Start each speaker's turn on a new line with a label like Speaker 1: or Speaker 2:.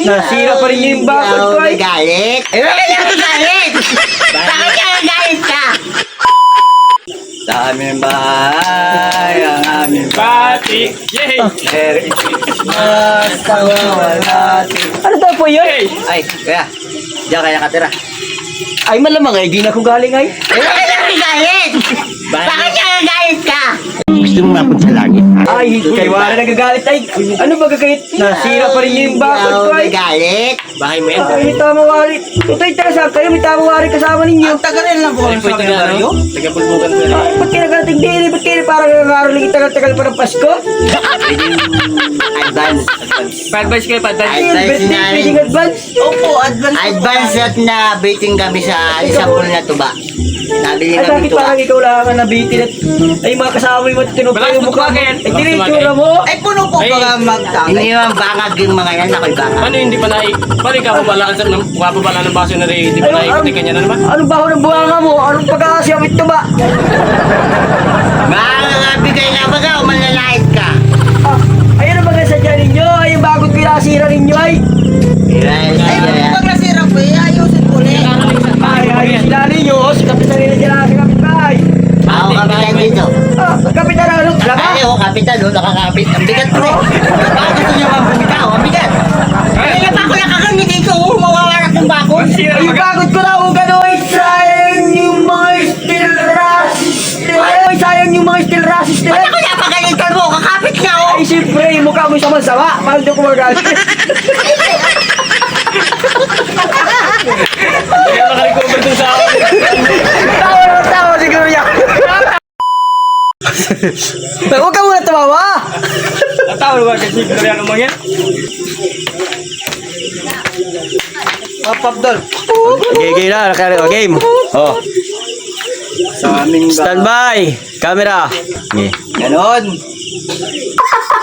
Speaker 1: Nasira pa rin yung bakod ko ay.
Speaker 2: Galit? Eh, bakit ka galit? Bakit ka galit ka?
Speaker 1: Sa aming bahay, ang aming
Speaker 3: Pati! Yay!
Speaker 1: Merry Christmas, tawawalati. Ano daw po yun?
Speaker 3: Yay!
Speaker 1: Ay, kaya, diyan kaya katira. Ay, malamang ay, di na ko galing ay.
Speaker 2: Eh, bakit ka galit? Bakit ka galit ka?
Speaker 4: Gusto mo mapunta sa langit?
Speaker 1: Ay, kay wala nagagalit ay. Ano ba gagawin? Nasira pa rin yung bakod ko ay.
Speaker 2: Galit?
Speaker 3: Bahay mo yan.
Speaker 1: Ay, may tamawari. Tutoy, taga kayo, may tamawari kasama ninyo.
Speaker 2: Tagalin lang po
Speaker 3: Ay, po ito na, no? Taga-pulbugan ko na.
Speaker 1: Ay, ba't kayo nagarating din? Ba't kayo parang nangaroling tagal-tagal pa ng Pasko?
Speaker 2: Advance.
Speaker 3: Pa-advise kayo, pa-advise.
Speaker 1: Ay, yung
Speaker 2: Advance
Speaker 1: birthday,
Speaker 2: na rin.
Speaker 1: pwedeng advance.
Speaker 2: Opo, advance. Advance at na baiting kami sa isang pool na tuba. Nabili
Speaker 1: Ay,
Speaker 2: kami
Speaker 1: bakit
Speaker 2: tuba.
Speaker 1: parang ikaw lang ang nabitin at ay mga kasama mo at tinupa
Speaker 3: Malakas
Speaker 1: yung mukha mo.
Speaker 3: magpagin.
Speaker 1: Ay,
Speaker 3: Malakas
Speaker 1: tinitsura mo.
Speaker 2: Ay, puno po
Speaker 3: Ay.
Speaker 2: baka magtangay. Hindi naman bangag yung mga yan. Ako'y bangag.
Speaker 3: Paano hindi pa paano ikaw pabalaan sa papabala ng baso na rin, hindi pa naikuti kanya na naman?
Speaker 1: Anong baho ng buhanga mo? Anong pagkakasyawit to ba?
Speaker 2: Makakabigay na baga o manlalait ka?
Speaker 1: Ah, ayun ang mga sadya ninyo. Ay, yung bagot pinasira ninyo ay.
Speaker 2: Pag nasira po, ayusin po ulit.
Speaker 1: Ay, sila ninyo. Si kapitan nila dyan sa kapitbahay.
Speaker 2: Ako kapitan dito.
Speaker 1: Ah, kapitan na ano?
Speaker 2: Ay, ako kapitan, no? Nakakapit. Ang bigat po eh. Baka gusto niyo mang bumitaw, ang bigat. Kaya pa ako nakakamit dito, mawawarak ng bakod.
Speaker 1: Ay, yung bagot ko na kung gano'n. Sayang yung mga steel rasis. Ay, sayang yung mga steel rasis nila.
Speaker 2: Ba't ako napagalitan mo? Kakapit nga ako.
Speaker 1: Ay, siyempre, yung mukha mo sama-sama. Paano ko magalit?
Speaker 3: Kaya nakarecover dun sa akin.
Speaker 1: Tawa siguro yan. Huwag ka muna tumawa.
Speaker 3: Natawa ba kasi kaya ano mga yan?
Speaker 1: Papapdol.
Speaker 5: Okay, game na. Game. Oh,
Speaker 1: Sa aming
Speaker 5: standby. Camera. Okay.
Speaker 1: Ganon.